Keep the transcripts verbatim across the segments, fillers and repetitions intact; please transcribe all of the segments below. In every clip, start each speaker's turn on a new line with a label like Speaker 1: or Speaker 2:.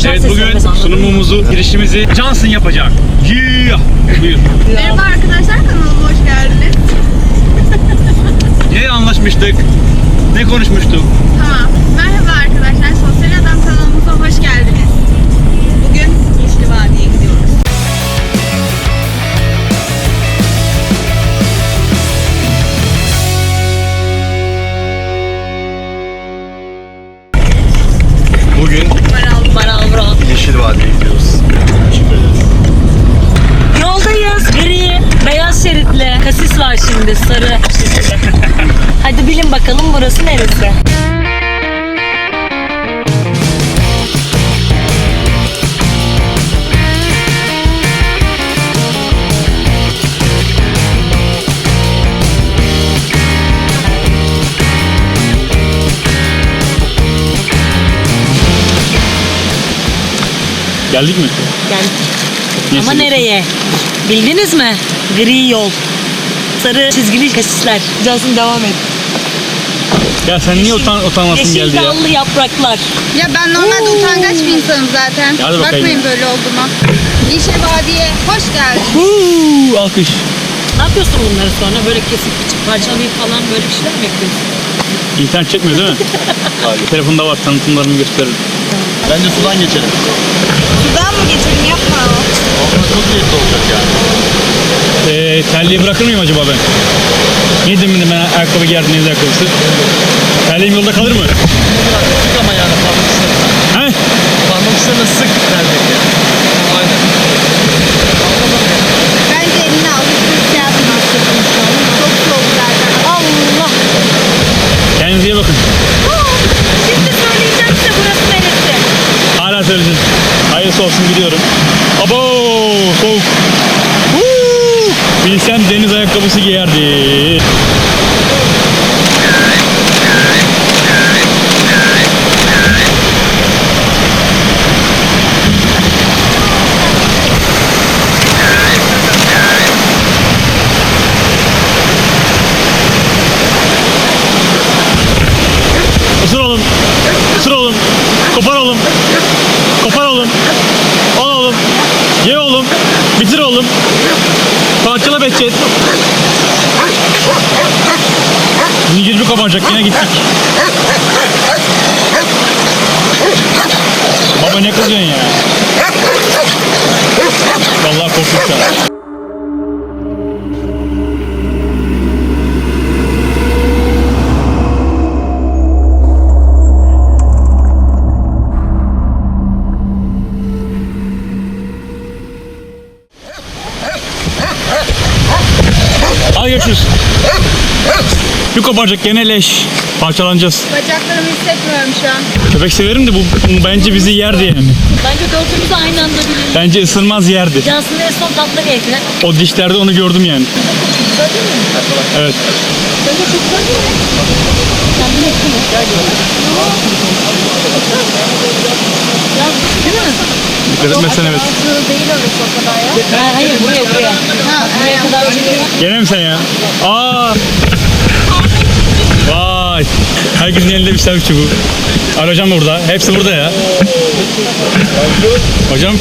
Speaker 1: Evet, bugün sunumumuzu, girişimizi Johnson yapacak. Yeah! Buyur.
Speaker 2: Merhaba arkadaşlar, kanalıma hoş geldiniz.
Speaker 1: Ne anlaşmıştık? Ne konuşmuştuk?
Speaker 2: Tamam. Merhaba arkadaşlar, Sosyal Adam kanalımıza hoş geldiniz. Bugün Yeşil Vadi'ye gidiyoruz.
Speaker 1: Bugün
Speaker 2: Maral, Maral,
Speaker 1: Yeşil Vadi'ye gidiyoruz.
Speaker 3: Yoldayız. Gri, beyaz şeritli. Kasis var şimdi, sarı. Hadi bilin bakalım burası neresi?
Speaker 1: Geldik mi?
Speaker 3: Geldik.
Speaker 1: Neyse.
Speaker 3: Ama nereye? Bildiniz mi? Gri yol. Sarı çizgili kasisler. Cansın devam et.
Speaker 1: Ya sen niye utan utanmasın
Speaker 3: Yeşil
Speaker 1: geldi ya?
Speaker 3: dallı yapraklar.
Speaker 2: Ya ben normalde
Speaker 3: Oo.
Speaker 2: utangaç bir insanım zaten.
Speaker 1: Hadi bakayım.
Speaker 2: Bakmayın böyle olduğuma. Yeşil Vadi'ye hoş geldiniz.
Speaker 1: Huu, alkış.
Speaker 3: Ne yapıyorsun bunları sonra? Böyle kesip biçip parçalayıp falan böyle bir şeyler mi yapıyorsun?
Speaker 1: İnternet çekmiyor değil mi? Hayır. Telefonda var, tanıtımlarını gösteririm.
Speaker 4: Bence sudan geçelim.
Speaker 2: Sudan mı geçelim, yapma.
Speaker 4: Ama çok lezzetli olacak yani.
Speaker 1: Ee, terliği bırakır mıyım acaba ben? Niye demin ben ayakkabı giyerdim, deniz ayakkabısı? Terliğim yolda kalır mı?
Speaker 4: Sık ama yani parmak uçlarına.
Speaker 1: He?
Speaker 4: Parmak uçlarına sık terlik yani. Aynen.
Speaker 2: Bence eline al. Üstüne şey yapma. Çok soğuk zaten.
Speaker 3: Allah!
Speaker 1: Kendinize iyi bakın.
Speaker 3: Şimdi söyleyeceğim size burası neresi?
Speaker 1: Hala söyleyeceğiz. Hayırlısı olsun, gidiyorum. Abo, soğuk. Huu! Bilsem deniz ayakkabısı giyerdi. Isır oğlum. Isır oğlum. Kopar oğlum. Kopar oğlum. Al oğlum. Ye oğlum. Bitir oğlum. Parçala Behçet. Zincir bir kapanacak, yine gittik. Baba ne kızıyorsun ya? Vallahi korktum şu an. Hadi görüşürüz. Bir koparacak, gene leş. Parçalanacağız.
Speaker 2: Bacaklarımı hissetmiyorum şu an.
Speaker 1: Köpek severim de bu, bu bence bizi yerdi yani.
Speaker 3: Bence dördümüz aynı anda bilelim.
Speaker 1: Bence ısırmaz, yerdi.
Speaker 3: Cansın en son tatlı yedi.
Speaker 1: O dişlerde onu gördüm yani. Evet. Dikkat etmezsen evet.
Speaker 2: Değil orası o kadar ya.
Speaker 3: Ha, hayır buraya buraya.
Speaker 2: Ha,
Speaker 3: Buraya kadar çekelim.
Speaker 1: Gene mi sen ya? Aa! Vay! Herkesin elinde bir selfie bu. Al hocam da burada. Hepsi burada ya. Hocam.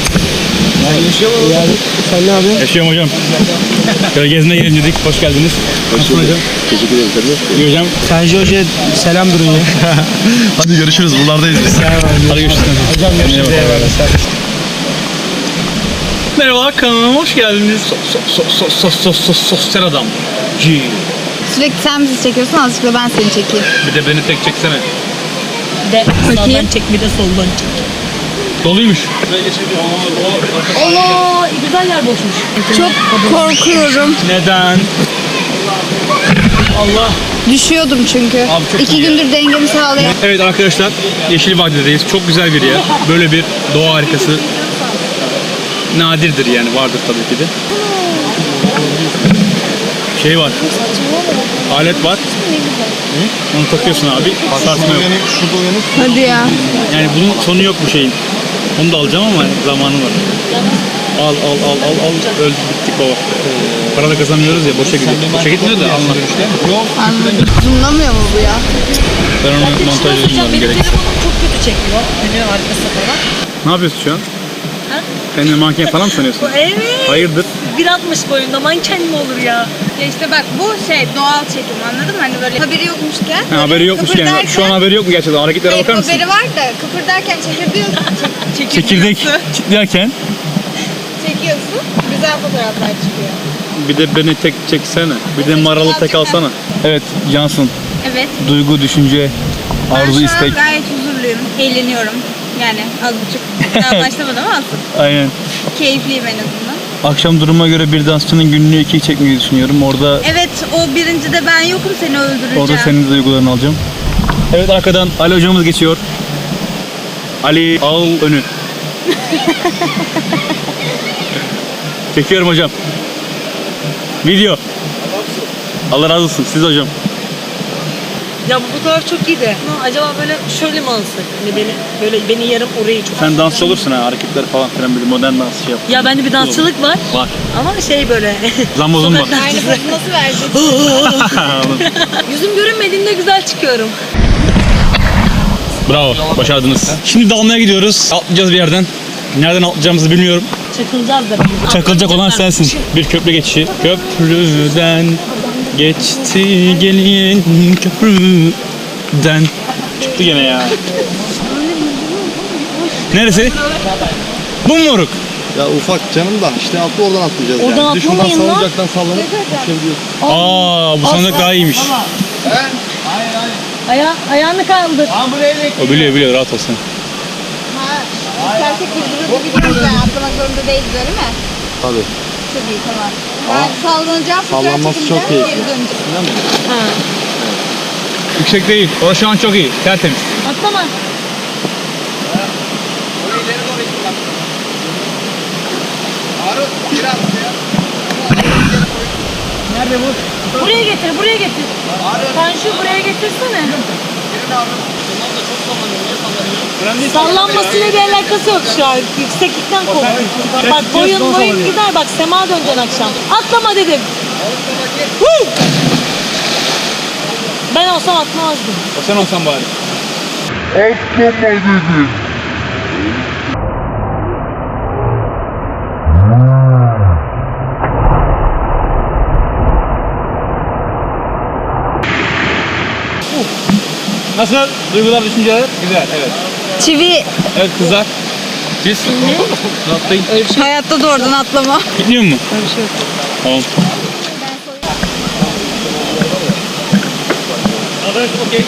Speaker 4: Sen ne yapıyorsun?
Speaker 1: Yaşıyorum hocam. Şöyle gezmeye gelin dedik. Hoş geldiniz. Nasılsın hocam?
Speaker 4: Teşekkür ederim.
Speaker 1: İyi hocam.
Speaker 4: Sanji Hoca'ya selam durun ya.
Speaker 1: Hadi görüşürüz. Buralardayız biz. Hadi görüşürüz.
Speaker 4: Hocam görüşürüz.
Speaker 1: Merhaba, kanalıma hoş geldiniz. So, so, so, so, so, so, sosyal adam. G.
Speaker 2: Sürekli sen bizi çekiyorsun, azıcık da ben seni çekeyim.
Speaker 1: Bir de beni tek çeksene.
Speaker 3: De
Speaker 2: Bakayım.
Speaker 3: sağdan çek bir de soldan çek.
Speaker 1: Doluymuş.
Speaker 3: Allah! Güzel yer boşmuş.
Speaker 2: Çok korkuyorum.
Speaker 1: Neden? Allah.
Speaker 2: Düşüyordum çünkü.
Speaker 1: Abi çok
Speaker 2: İki
Speaker 1: iyi ya.
Speaker 2: gündür dengemi sağlayamıyorum.
Speaker 1: Evet arkadaşlar, Yeşil Vadi'deyiz. Çok güzel bir yer. Böyle bir doğa harikası nadirdir yani, vardır tabii ki de. Şey var. Alet var. Hı? Onu takıyorsun abi. Sarsma yok.
Speaker 4: Şurada uyanık.
Speaker 2: Hadi ya.
Speaker 1: Yani bunun sonu yok bu şeyin. Onu da alacağım ama zamanı var. Al al al al al. Öldük bittik baba. Para da kazanmıyoruz ya, boşa gidiyor. Boşa gitmiyor da alma.
Speaker 4: Yok.
Speaker 2: Anladım. Zoomlamıyor mu bu ya?
Speaker 1: Ben onu montaj
Speaker 3: Hocam
Speaker 1: edeceğim
Speaker 3: benim
Speaker 1: gerek.
Speaker 3: telefonum çok kötü çekiyor. Önü arkası falan.
Speaker 1: Ne yapıyorsun şu an?
Speaker 3: Ha?
Speaker 1: Kendini manken falan mı sanıyorsun?
Speaker 3: Evet.
Speaker 1: Hayırdır?
Speaker 3: bir altmış boyunda manken mi olur ya?
Speaker 2: Ya işte bak bu şey doğal çekim anladın mı? Hani böyle haberi yokmuşken.
Speaker 1: Ha, haberi yokmuş yani.
Speaker 2: kıpırdarken-
Speaker 1: Şu an haberi yok mu gerçekten? Hareketlere
Speaker 2: Evet,
Speaker 1: bakar mısın?
Speaker 2: haberi var da kıpırdarken çekirdiyorsun. Çek,
Speaker 1: Çekirdek
Speaker 2: çekirdiyorsun.
Speaker 1: çitlerken
Speaker 2: Çekiyorsun. Güzel fotoğraflar çıkıyor.
Speaker 1: bir de beni tek çeksene. Bir de maralı tek alsana. Evet Cansın.
Speaker 2: Evet.
Speaker 1: Duygu, düşünce,
Speaker 2: Ben
Speaker 1: arzu,
Speaker 2: şu
Speaker 1: istek.
Speaker 2: an gayet huzurluyum. Eğleniyorum. Yani az buçuk. Daha başlamadım ama olsun.
Speaker 1: Aynen.
Speaker 2: Keyifliyim en azından.
Speaker 1: Akşam duruma göre bir dansçının günlüğü ikiyi çekmeyi düşünüyorum. Orada
Speaker 2: Evet o birincide ben yokum seni öldüreceğim.
Speaker 1: orada senin de duygularını alacağım. Evet arkadan Ali hocamız geçiyor. Ali al önü. Çekiyorum hocam. Video. Allah razı olsun siz hocam.
Speaker 3: Ya bu fotoğraf çok iyi de. Ha, acaba böyle şöyle mi alsak? Hani beni böyle beni yarım orayı çok.
Speaker 1: Sen dansçı olursun ha hareketler falan filan böyle modern dans şey yap.
Speaker 3: Ya bende bir dansçılık var.
Speaker 1: Var.
Speaker 3: Ama şey böyle.
Speaker 1: Zambozun var.
Speaker 2: Aynı pozu nasıl vereceksin?
Speaker 3: Yüzüm görünmediğinde güzel çıkıyorum.
Speaker 1: Bravo başardınız. Şimdi dalmaya gidiyoruz. Atlayacağız bir yerden. Nereden atlayacağımızı bilmiyorum.
Speaker 3: Çakılacağız da.
Speaker 1: Çakılacak olan sensin. Bir köprü geçişi. Köprüden geçti gelin köprüden. Çıktı gene ya. Neresi? Bu mu moruk?
Speaker 4: Ya ufak canım da işte altı oradan atlayacağız
Speaker 3: Oradan
Speaker 4: yani. Bir de şuradan
Speaker 3: atlamayın lan.
Speaker 4: salıncaktan sallanıp düşebiliyorsun.
Speaker 1: Aa bu sandık daha iyiymiş.
Speaker 3: Aya ayağını kaldır.
Speaker 1: O biliyor biliyor rahat olsun.
Speaker 2: Ha, istersek birbirimizi biliyoruz yani atlamak zorunda değiliz öyle mi?
Speaker 4: Tabii.
Speaker 2: Çok iyi tamam. Ben sallanacağım, fotoğraf
Speaker 4: sallanması
Speaker 2: çekileceğim,
Speaker 4: çok keyifli.
Speaker 2: geri döneceğim.
Speaker 3: Ha.
Speaker 1: Yüksek değil. Orası şu an çok iyi. Tertemiz.
Speaker 3: Atlama.
Speaker 1: Nerede bu?
Speaker 3: Buraya getir, buraya getir. Sen şu buraya getirsene. Sallanmasıyla bir alakası yok şu an. Yükseklikten kork. Bak boyun boyun gider. Bak sema döneceksin akşam. Atlama dedim. Woo! Ben olsam atmazdım.
Speaker 1: O sen olsan bari. Nasıl? Duygular, düşünceler? Güzel, evet.
Speaker 2: Çivi
Speaker 1: Evet kızlar. Siz? Ne? Atlayın.
Speaker 2: hayatta da oradan atlama.
Speaker 1: Gitmiyor mu?
Speaker 3: Öyle bir şey yok.
Speaker 1: Tamam. Okey.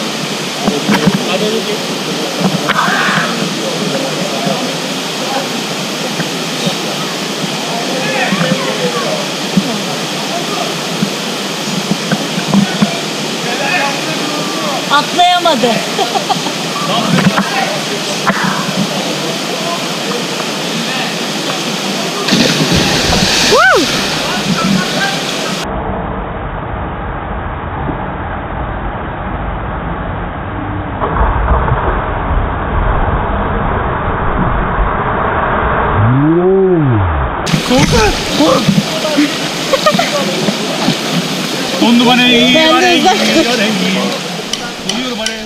Speaker 3: Atlayamadı.
Speaker 1: On numaraya iyi.
Speaker 3: Ben de uzak dur.
Speaker 1: Geliyorum araya.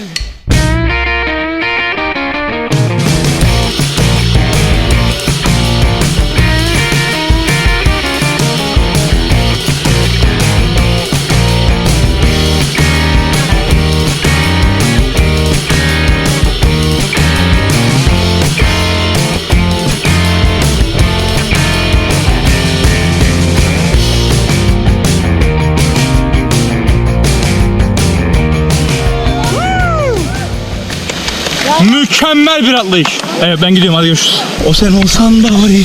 Speaker 1: Mükemmel bir atlayış. Evet ben gidiyorum hadi görüşürüz. O sen olsan bari.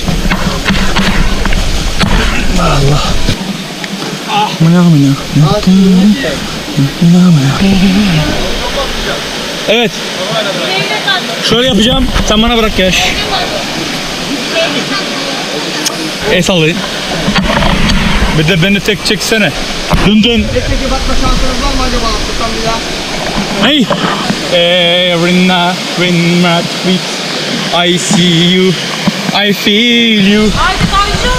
Speaker 1: Allah. Ah. Mına mına. Evet. Şöyle yapacağım. Sen bana bırak yaş. El sallayın. Bir de beni tek çeksene. Dün dün.
Speaker 4: Peki bakma şansınız var mı acaba atlasam bir daha?
Speaker 1: Hey. Every night when my feet I see you, I feel you.
Speaker 3: Haydi Tanju.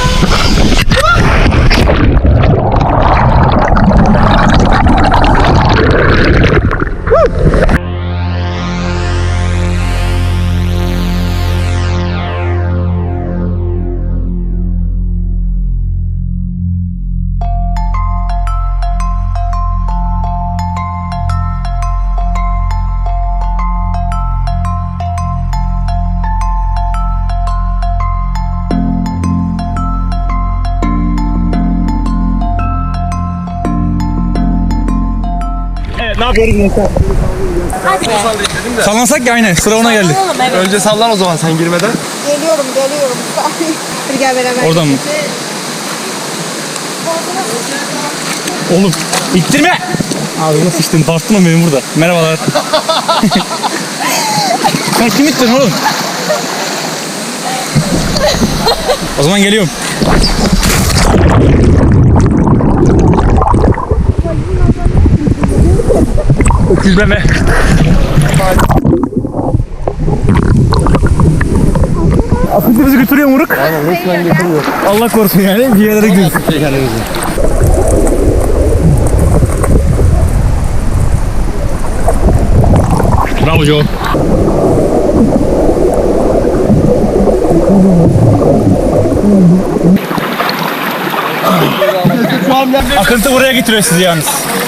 Speaker 1: Ne yapıyoruz gençler? Sallansak ya aynen. Sıra ona geldi.
Speaker 3: Oğlum evet.
Speaker 4: Önce sallan o zaman sen girmeden.
Speaker 2: Geliyorum, geliyorum. Hadi gel beraber.
Speaker 1: Oradan mı? Oğlum ittirme. Ağzına sıçtın. Tarttın benim burada. Merhabalar. Sen kim ittirdin oğlum? O zaman geliyorum. Öküzleme. Akıntı bizi götürüyor Muruk.
Speaker 4: Aynen resmen getiriyor.
Speaker 1: Allah korusun yani bir yerlere gidiyoruz. Bravo Joe. Akıntı buraya getiriyor sizi yalnız.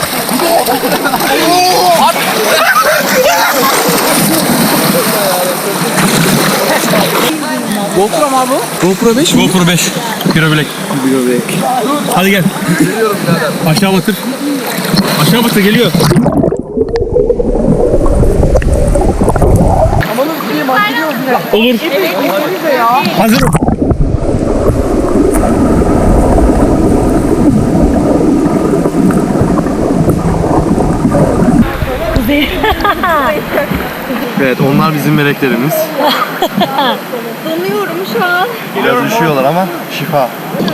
Speaker 4: GoPro mu abi? GoPro beş mi?
Speaker 1: GoPro beş. Biro bilek.
Speaker 4: Biro bilek.
Speaker 1: Hadi gel.
Speaker 4: Geliyorum birader.
Speaker 1: Aşağı batır. Aşağı batır geliyor.
Speaker 4: Amanın diyeyim hadi gidiyoruz yine.
Speaker 1: Olur. Hazırım.
Speaker 4: Evet onlar bizim meleklerimiz.
Speaker 2: Donuyorum şu an.
Speaker 4: Biraz üşüyorlar ama şifa.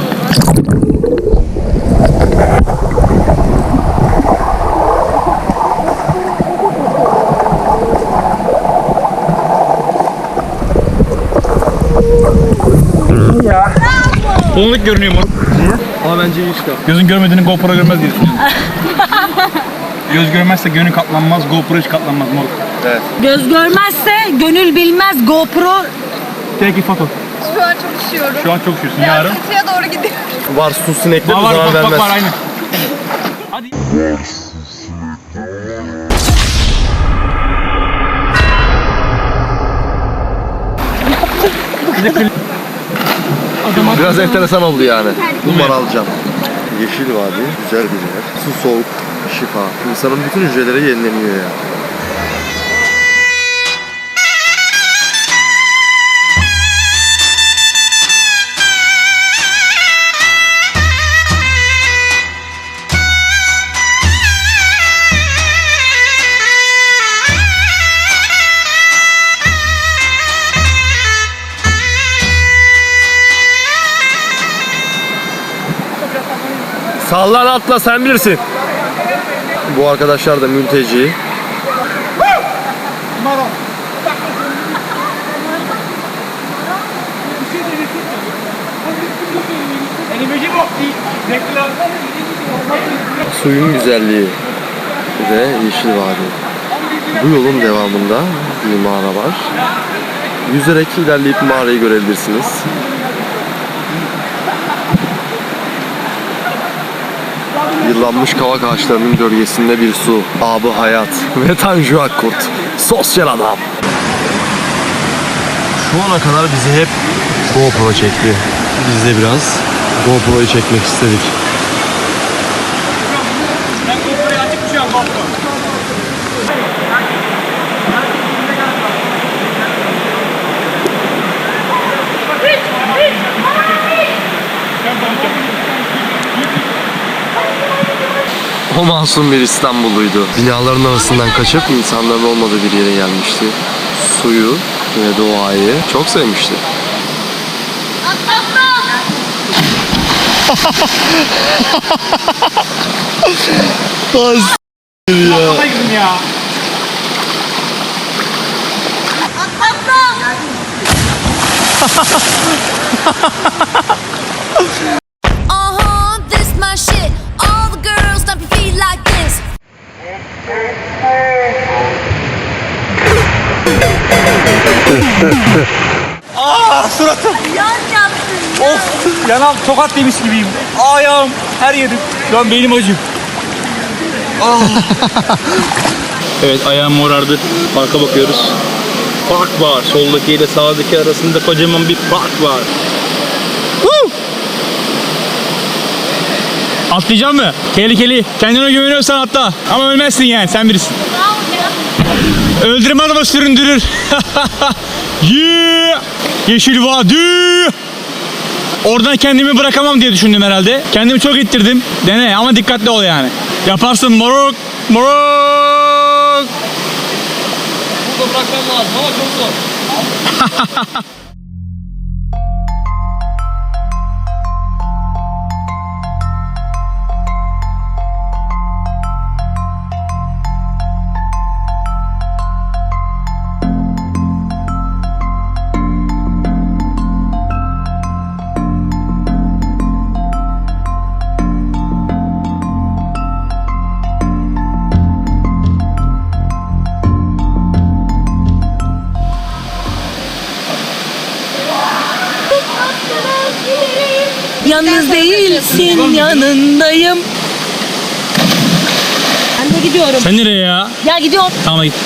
Speaker 1: Donuk görünüyor moruk.
Speaker 4: Ama bence iyi işte.
Speaker 1: Gözün görmediğini GoPro görmez diye düşünüyorum. Göz görmezse gönül katlanmaz, GoPro hiç katlanmaz moruk.
Speaker 4: Evet.
Speaker 3: Göz görmezse gönül bilmez GoPro.
Speaker 1: Peki foto.
Speaker 2: Şu an çok üşüyorum.
Speaker 1: Şu an çok üşüyorsun.
Speaker 2: Biraz
Speaker 1: Yarın.
Speaker 2: kıyıya doğru gidiyorum.
Speaker 4: Var su sinekleri
Speaker 1: Var var
Speaker 4: zarar
Speaker 1: bak bak
Speaker 4: vermez.
Speaker 1: var aynen. Hadi.
Speaker 4: Biraz enteresan oldu yani. Bunlar alacağım. Yeşil vadi, güzel bir yer. Su soğuk, şifa. İnsanın bütün hücreleri yenileniyor ya. Sallan atla sen bilirsin. Bu arkadaşlar da mülteci. Suyun güzelliği ve yeşil vadi. Bu yolun devamında bir mağara var. Yüzerek ilerleyip mağarayı görebilirsiniz. Yıllanmış kavak ağaçlarının gölgesinde bir su, abı hayat ve Tanju Akkurt, sosyal adam. Şu ana kadar bizi hep GoPro çekti. Biz de biraz GoPro'yu çekmek istedik.
Speaker 1: Ben GoPro'yu açık şu an GoPro.
Speaker 4: O masum bir İstanbulluydu. Binaların arasından kaçıp insanların olmadığı bir yere gelmişti. Suyu ve doğayı çok sevmişti.
Speaker 1: Kafayım ya.
Speaker 5: Uh-huh, this my shit. All the girls stomp your feet like this.
Speaker 1: Aa suratım.
Speaker 3: Yan yaptın.
Speaker 1: Of. Yanağım tokat yemiş gibiyim. Ayağım her yerim. Şu an beynim acıyor. Ah. Evet ayağım morardı. Parka bakıyoruz. Park var. Soldaki ile sağdaki arasında kocaman bir park var. Woo! Atlayacağım mı? Tehlikeli. Kendine güveniyorsan atla. Ama ölmezsin yani, sen birisin. Öldürmez ama süründürür. Yeah! Yeşil vadi. Oradan kendimi bırakamam diye düşündüm herhalde. Kendimi çok ittirdim. Dene ama dikkatli ol yani. Yaparsın moruk. Moruk.
Speaker 4: Burada bırakmam lazım ama çok zor.
Speaker 3: Yalnız değilsin, yanındayım. Ben de gidiyorum.
Speaker 1: Sen nereye ya?
Speaker 3: Ya gidiyorum.
Speaker 1: Tamam git.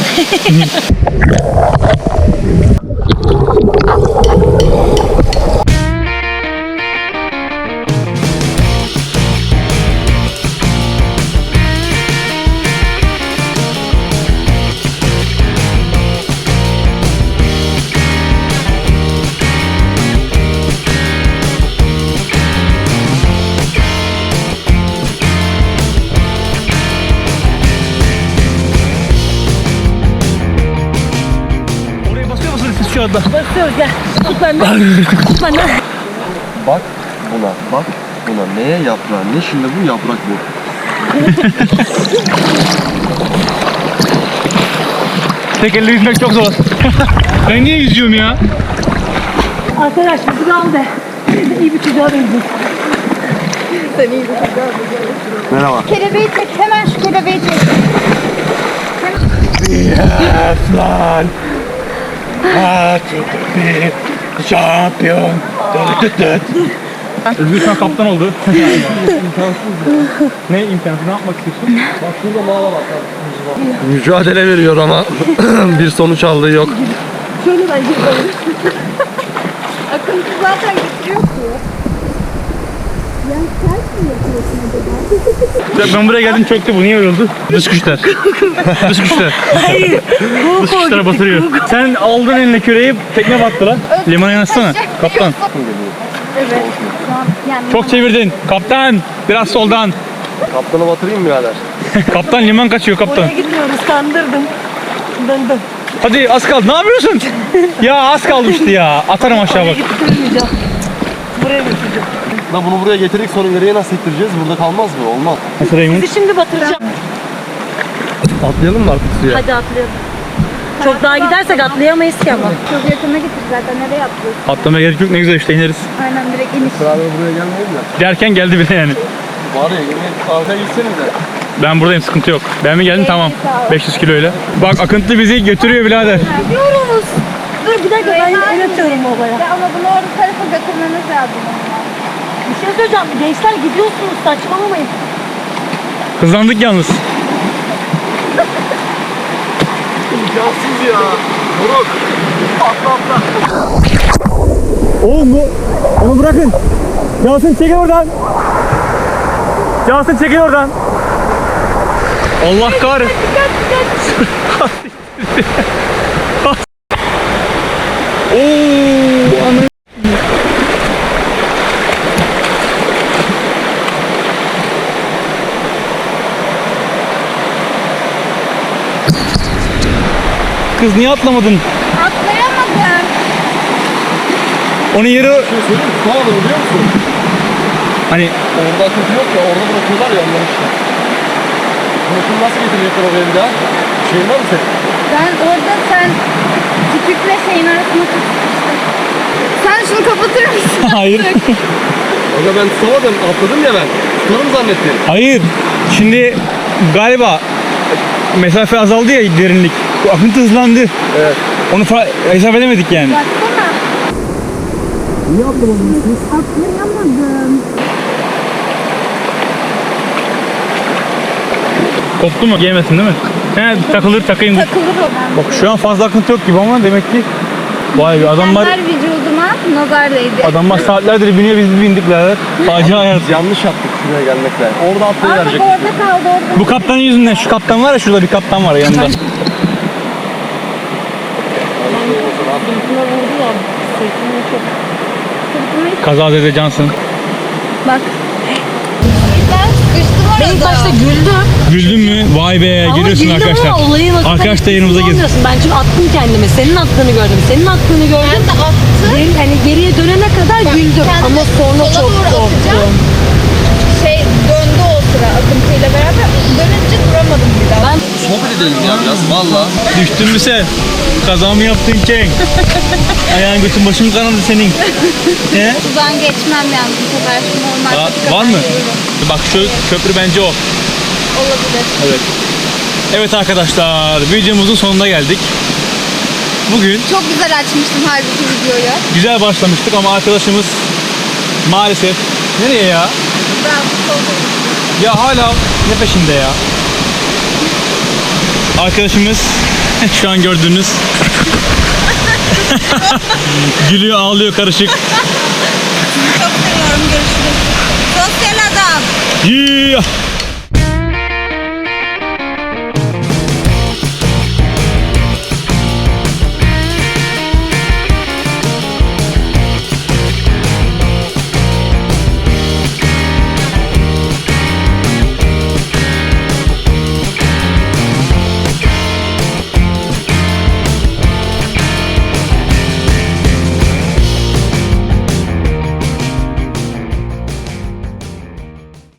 Speaker 1: Oraya basıyor musunuz siz şu anda?
Speaker 3: Basıyoruz gel. Tut benden. Tut benden.
Speaker 4: Bak buna, bak buna. Neye yaprağı? Ne şimdi bu? Yaprak bu.
Speaker 1: Tek elle yüzmek çok zor. Ben niye yüzüyorum ya?
Speaker 3: Arkadaş bizi al de. İyi bir çocuğa benziyor.
Speaker 4: Merhaba.
Speaker 2: Kelebeği çek. Hemen şu kelebeği çek.
Speaker 1: Yes lan. Ha, şampiyon. Özgür şu an kaptan oldu. Ne imkansız? Ne yapmak istiyorsun?
Speaker 4: Mücadele veriyor ama bir sonuç aldığı yok.
Speaker 3: Şöyle bence böyle.
Speaker 2: Akıntı zaten getiriyor ki.
Speaker 1: Ben buraya geldim çöktü bu. Niye öyle oldu? Dış güçler. Dış güçler.
Speaker 3: Hayır.
Speaker 1: Dış güçler batırıyor. Sen aldın eline küreği, tekne battı lan. Limana yanaşsana. Kaptan.
Speaker 2: Evet. Yani
Speaker 1: Çok çevirdin. Kaptan. Biraz soldan.
Speaker 4: Kaptanı batırayım mı birader?
Speaker 1: Kaptan liman kaçıyor kaptan.
Speaker 3: Oraya gidiyoruz. Kandırdım. Döndüm.
Speaker 1: Hadi az kaldı. Ne yapıyorsun? Ya az kalmıştı ya. Atarım aşağı
Speaker 3: Oraya
Speaker 1: bak.
Speaker 3: getirmeyeceğim. Buraya getireceğim.
Speaker 4: Lan bunu buraya getirdik sonra nereye nasıl ittireceğiz? Burada kalmaz mı? Olmaz.
Speaker 1: Nasıl Raymond?
Speaker 3: Bizi şimdi batıracağım.
Speaker 4: Atlayalım mı artık suya?
Speaker 3: Hadi atlayalım. Çok daha gidersek atlayamayız ki ama.
Speaker 2: çok yakına getir zaten. Nereye atlıyorsun?
Speaker 1: Atlamaya gerek yok. Ne güzel işte ineriz.
Speaker 2: Aynen direkt iniş.
Speaker 4: Beraber buraya gelmeyelim de.
Speaker 1: Derken geldi bile yani.
Speaker 4: Var ya yemin arkaya gitsenize.
Speaker 1: Ben buradayım, sıkıntı yok. Ben mi geldim? Tamam. beş yüz kiloyla. Bak akıntı bizi götürüyor birader.
Speaker 3: Gidiyoruz. Dur bir dakika ben el atıyorum olaya.
Speaker 2: Ya ama bunu orada tarafa götürmemiz lazım.
Speaker 3: Bir şey söyleyeceğim. Gençler gidiyorsunuz saçmalamayın.
Speaker 1: Hızlandık yalnız.
Speaker 4: İmkansız ya. Moruk. Atla atla.
Speaker 1: Oğlum bu. Onu bırakın. Yasin çekil oradan. Yasin çekil oradan. Allah kahretsin. Oo, ana. Kız niye atlamadın?
Speaker 2: Atlayamadım.
Speaker 1: Onun yeri
Speaker 4: Bir şey söyleyeyim mi? Tutamadım biliyor musun?
Speaker 1: hani
Speaker 4: Orada akıntı yok ya. Orada bırakıyorlar ya onları işte. Bunu şimdi nasıl getirecekler oraya bir daha? Şeyin var mı senin?
Speaker 2: Ben orada sen tüpükle şeyin arasında tutmuştun. Sen şunu kapatır mısın?
Speaker 1: hayır.
Speaker 4: Aga ben tutamadım. Atladım ya ben. Tutarım zannettim.
Speaker 1: Hayır. Şimdi galiba mesafe azaldı ya, derinlik. Bu akıntı hızlandı.
Speaker 4: Evet.
Speaker 1: Onu fa- hesap edemedik yani.
Speaker 2: Baksana.
Speaker 4: Niye atlamadın siz?
Speaker 2: Atlayamadım.
Speaker 1: Koptu mu? Giyemesin değil mi? He, takılır takayım.
Speaker 2: Takılır o.
Speaker 1: Bak şu an fazla akıntı yok gibi ama demek ki vay be adamlar
Speaker 2: Her vücuduma nazar değdi.
Speaker 1: adamlar saatlerdir biniyor, biz bindik birader. Acı hayat.
Speaker 4: Yanlış yaptık. şuraya gelmek lazım. Orada atlayıverecek.
Speaker 3: Orada kaldı orada.
Speaker 1: Bu kaptanın yüzünden. Şu kaptan var ya, şurada bir kaptan var yanında.
Speaker 3: Sırtına vurdu ya. Sırtına çok.
Speaker 1: Kazazede cansın.
Speaker 2: Bak. Ben sıkıştım orada.
Speaker 3: Ben ilk başta güldüm.
Speaker 1: Güldün mü? Vay be,
Speaker 3: Ama
Speaker 1: görüyorsun
Speaker 3: güldüm
Speaker 1: arkadaşlar.
Speaker 3: ama olayın o
Speaker 1: Arkadaş da yanımıza girdi.
Speaker 3: girdi. Ben çünkü attım kendimi. Senin attığını gördüm. Senin attığını gördüm.
Speaker 2: Ben de attım.
Speaker 3: Geri, hani geriye dönene kadar güldüm.
Speaker 2: kendimi
Speaker 3: Ama sonra
Speaker 2: sola
Speaker 3: çok
Speaker 2: doğru atacağım.
Speaker 3: korktum.
Speaker 2: Şey döndü o sıra akıntıyla beraber. Dönünce duramadım bir daha.
Speaker 3: Ben
Speaker 4: Sohbet edelim ya biraz valla.
Speaker 1: Düştün mü sen? Kaza mı yaptın Cenk? Ayağın götün başın kanadı senin. He?
Speaker 2: Buradan geçmem yalnız bu sefer. Şu normal
Speaker 1: Aa,
Speaker 2: patika
Speaker 1: var mı?
Speaker 2: yürüyorum.
Speaker 1: Bak şu köprü bence o.
Speaker 2: Olabilir.
Speaker 1: Evet. Evet arkadaşlar, videomuzun sonuna geldik. Bugün
Speaker 2: Çok güzel açmıştım halbuki videoyu.
Speaker 1: güzel başlamıştık ama arkadaşımız maalesef nereye ya?
Speaker 2: Ben soldayım.
Speaker 1: Ya hala ne peşinde ya? Arkadaşımız şu an gördüğünüz gülüyor, ağlıyor karışık.
Speaker 2: Çok seviyorum. Görüşürüz. Sosyal adam.
Speaker 1: Yeah.